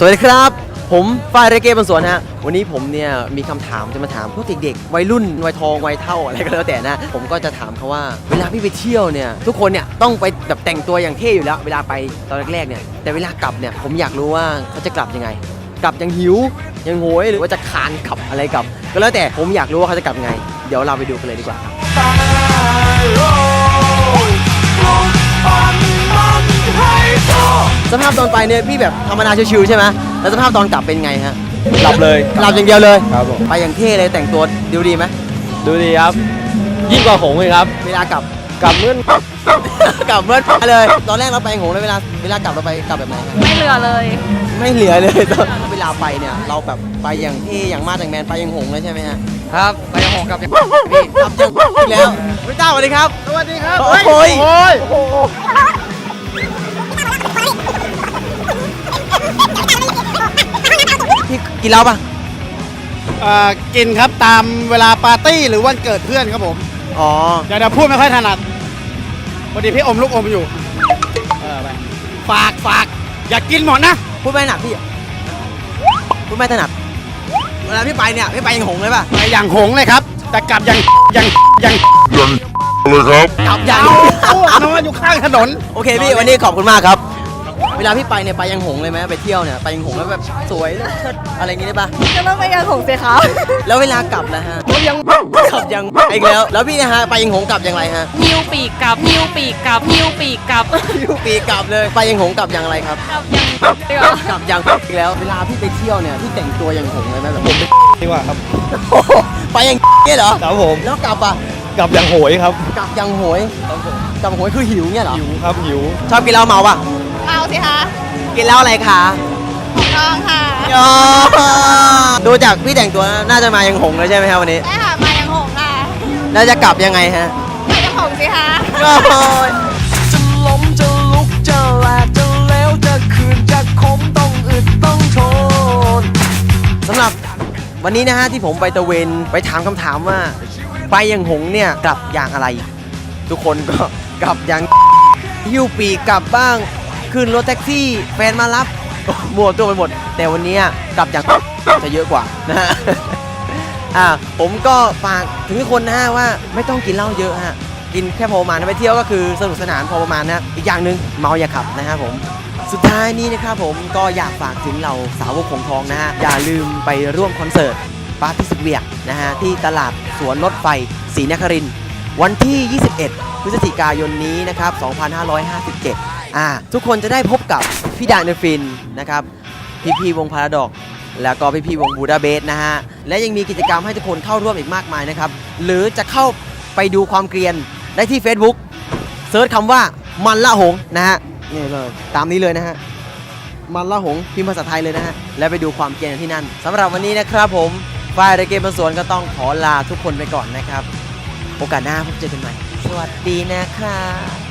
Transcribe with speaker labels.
Speaker 1: วัสดีครับผมฝ้ายเรเก้บนสวนฮะวันนี้ผมเนี่ยมีคำถามจะมาถามพวกเด็กๆวัยรุ่นวัยทองวัยเท่าอะไรก็แล้วแต่นะผมก็จะถามเขาว่าเวลาพี่ไปเที่ยวเนี่ยทุกคนเนี่ยต้องไปแบบแต่งตัวอย่างเท่อยู่แล้วเวลาไปตอนแรกๆเนี่ยแต่เวลากลับเนี่ยผมอยากรู้ว่าเขาจะกลับยังไงกลับยังหิวยังโหยหรือว่าจะคานขับอะไรกลับก็แล้วแต่ผมอยากรู้ว่าเขาจะกลับยังไงเดี๋ยวเราไปดูกันเลยดีกว่าครับสภาพตอนไปเนี่ยพี่แบบธรรมดาชิวๆใช่ไหมแล้วสภาพตอนกลับเป็นไงฮะ
Speaker 2: หลับเลย
Speaker 1: หลับอย่างเดียวเลย
Speaker 2: ครับผม
Speaker 1: ไปอย่างเท่เลยแต่งตัวดูดีไหม
Speaker 2: ดูดีครับ ยิ่งกว่าหงส์เลยครับ
Speaker 1: เวลากลับ
Speaker 2: กลับเมื่อน
Speaker 1: กลับเมื่อเลยตอนแรกเราไปหงเลยเวลากลับเราไปกลับแบบไหนครับ
Speaker 3: ไม่เหลือเลย
Speaker 1: ไม่เหลือเลยตอนเวลาไปเนี่ยเราแบบไปอย่างเท่อย่างมาดอย่างแมนไปอย่างหงเลยใช่ไหมฮะ
Speaker 2: ครับไปหงส์กับ
Speaker 1: พี่กลับจังอีกแล้วพระเจ้าสวัสดีครับสวัสดีครับโอ้ยพี่กินเหล้าปะ
Speaker 4: กินครับตามเวลาปาร์ตี้หรือวันเกิดเพื่อนครับผม
Speaker 1: อ๋อ
Speaker 4: เดี๋ยวพูดไม่ค่อยถนัดพอดีพี่อมลูกอมอยู่ไปฝากอย่ากินหมดนะ
Speaker 1: พูดไม่ถนัดพี่พูดไม่ถนัดเวลาพี่ไปเนี่ยพี่ไปอย่างหงเลยป่ะ
Speaker 4: ไปอย่างหงส์เลยครับ แต่กลับอย่าง
Speaker 1: กลับอย่าง
Speaker 4: นอนอยู่ข้างถนน
Speaker 1: โอเคพี่วันนี้ขอบคุณมากครับ เวลาพี่ไปเนี่ยไปยังหงเลยไหมไปเที่ยวเนี่ยไปยังหงแล้วแบบสวยเชิดอะไรอย่างงี้ได้ปะ
Speaker 3: จะต้องไปยังหงเสียขาว
Speaker 1: แล้วเวลากลับนะฮะกลับยังอีกแล้วพี่นะฮะไปยังหงกลับอย่างไรฮะ
Speaker 3: หิ้วปีกกลับหิ้วปีกกลับหิ้วปีกกลับ
Speaker 1: ยูปีกลับเลยไปยังหงกลับอย่างไรครับ
Speaker 3: กลับยัง
Speaker 1: กลับอย่างอีกแล้วเวลาพี่ไปเที่ยวเนี่ยพี่แต่งตัวอย่างหงเลยไหมแบบผม
Speaker 2: ดีกว่าครับ
Speaker 1: ไปอย่างเนี่ยเหรอ
Speaker 2: ครับผม
Speaker 1: แล้วกลับอ่ะ
Speaker 2: กลับอย่างโหยครับ
Speaker 1: กลับอย่างโหยกลับโหยคือหิวเนี่ยเหรอ
Speaker 2: หิวครับหิว
Speaker 1: ชอบกินเหล้าเมาป่ะ
Speaker 3: เอาสิคะ
Speaker 1: กินเหล้าอะไรคะ
Speaker 3: ของทองค่ะ
Speaker 1: อ๋อดูจากพี่แต่งตัวน่าจะมายังหงเลยใช่ไหมครับวันนี้
Speaker 3: ใช่ค่ะมายังหงค่ะ
Speaker 1: แล้วจะกลับยังไงฮะ
Speaker 3: ไปยังหงสิคะ
Speaker 1: โอ้ย
Speaker 5: จะล้มจะลุกจะแหลกจะเลวจะคืนจะคมต้องอึดต้องทน
Speaker 1: สำหรับวันนี้นะฮะที่ผมไปตะเวนไปถามคำถามว่าไปยังหงเนี่ยกลับอย่างอะไร ทุกคนก็กลับอย่างหิ้วปีกกลับบ้างขึ้นรถแท็กซี่แฟนมารับมั่วตัวไปหมด แต่วันนี้กลับอย่างจะเยอะกว่านะฮะ ผมก็ฝากถึงทุกคนนะฮะว่าไม่ต้องกินเหล้าเยอะฮะกินแค่พอประมาณไปเที่ยวก็คือสนุกสนานพอประมาณนะอีกอย่างหนึ่งเมาอย่าขับนะฮะผมสุดท้ายนี้นะครับผมก็อยากฝากถึงเราสาวกของทองนะฮะอย่าลืมไปร่วมคอนเสิร์ตปาร์ตี้สุดเวียกนะฮะที่ตลาดสวนรถไฟศรีนครินทร์วันที่ 21 พฤศจิกายนนี้นะครับ 2557 ทุกคนจะได้พบกับพี่ดาเนฟินนะครับพี่วงพาราดอกแล้วก็พี่วงบูดาเบสนะฮะและยังมีกิจกรรมให้ทุกคนเข้าร่วมอีกมากมายนะครับหรือจะเข้าไปดูความเกรียนได้ที่ Facebook เซิร์ชคำว่ามันละหงนะฮะนี่เลยตามนี้เลยนะฮะมันละหงพิมพ์ภาษาไทยเลยนะฮะและไปดูความเกรียนที่นั่นสำหรับวันนี้นะครับผมฝ่ายเรเกมบนสวนก็ต้องขอลาทุกคนไปก่อนนะครับโอกาสหน้าพบเจอกันใหม่สวัสดีนะครับ